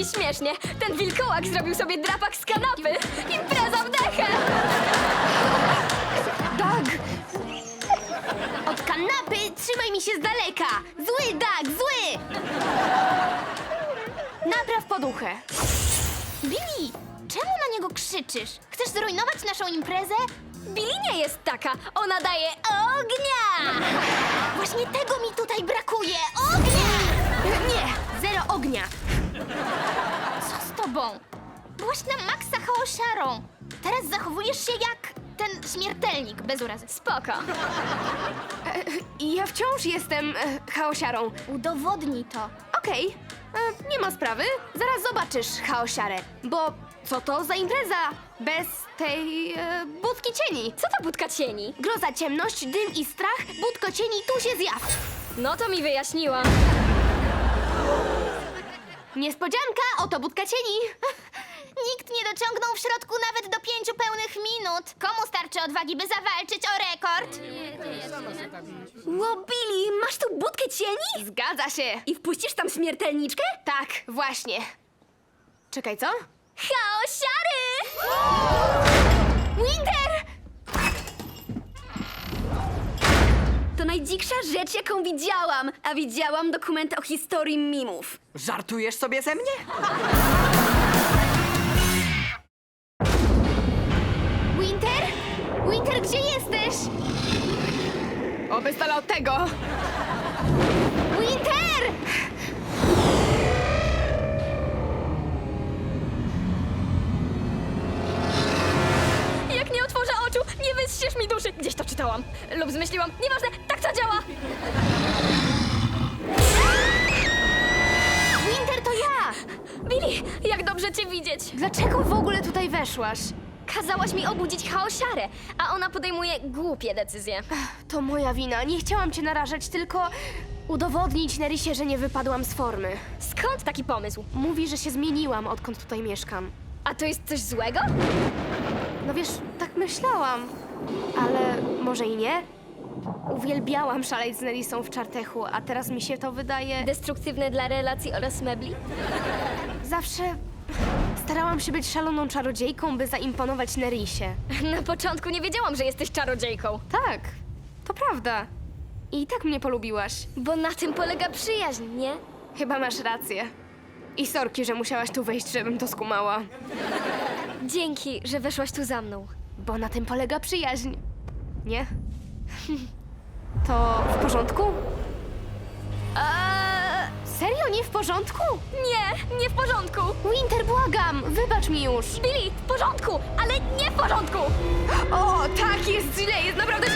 śmiesznie. Ten wilkołak zrobił sobie drapak z kanapy. Impreza w dechę! Doug! Od kanapy trzymaj mi się z daleka! Zły, Doug, zły! Napraw poduchę. Billy, czemu na niego krzyczysz? Chcesz zrujnować naszą imprezę? Billy nie jest taka. Ona daje ognia! Właśnie tego mi tutaj brakuje! Ognia! Nie, zero ognia. Co z tobą? Byłaś na maksa chaosiarą. Teraz zachowujesz się jak ten śmiertelnik, bez urazy. Spoko. Ja wciąż jestem chaosiarą. Udowodnij to. Okej, nie ma sprawy. Zaraz zobaczysz chaosiarę. Bo co to za impreza bez tej budki cieni? Co to budka cieni? Groza, ciemność, dym i strach, budko cieni, tu się zjaw. No to mi wyjaśniła. Niespodzianka, oto budka cieni. Nikt nie dociągnął w środku nawet do 5 pełnych minut. Komu starczy odwagi, by zawalczyć o rekord? Ło, Billy, masz tu budkę cieni? Zgadza się. I wpuścisz tam śmiertelniczkę? Tak, właśnie. Czekaj, co? Chaosiary! Winter! To najdziksza rzecz, jaką widziałam. A widziałam dokument o historii mimów. Żartujesz sobie ze mnie? Winter? Winter, gdzie jesteś? Oby z dala od tego. Winter! Jak nie otworzę oczu, nie wystrzysz mi duszy. Gdzieś to czytałam. Lub zmyśliłam. Nieważne, tak to działa. Winter, to ja! Billy, jak dobrze cię widzieć. Dlaczego w ogóle tutaj weszłaś? Kazałaś mi obudzić chaosiarę, a ona podejmuje głupie decyzje. To moja wina. Nie chciałam cię narażać, tylko udowodnić Nerisie, że nie wypadłam z formy. Skąd taki pomysł? Mówi, że się zmieniłam, odkąd tutaj mieszkam. A to jest coś złego? No wiesz, tak myślałam. Ale może i nie? Uwielbiałam szaleć z Nerisą w Czartechu, a teraz mi się to wydaje... Destruktywne dla relacji oraz mebli? Zawsze starałam się być szaloną czarodziejką, by zaimponować Nerisie. Na początku nie wiedziałam, że jesteś czarodziejką. Tak, to prawda. I tak mnie polubiłaś. Bo na tym polega przyjaźń, nie? Chyba masz rację. I sorki, że musiałaś tu wejść, żebym to skumała. Dzięki, że weszłaś tu za mną. Bo na tym polega przyjaźń. Nie? To w porządku? Serio, nie w porządku? Nie, nie w porządku. Winter, błagam, wybacz mi już. Billy, w porządku, ale nie w porządku. O, tak, jest źle, jest naprawdę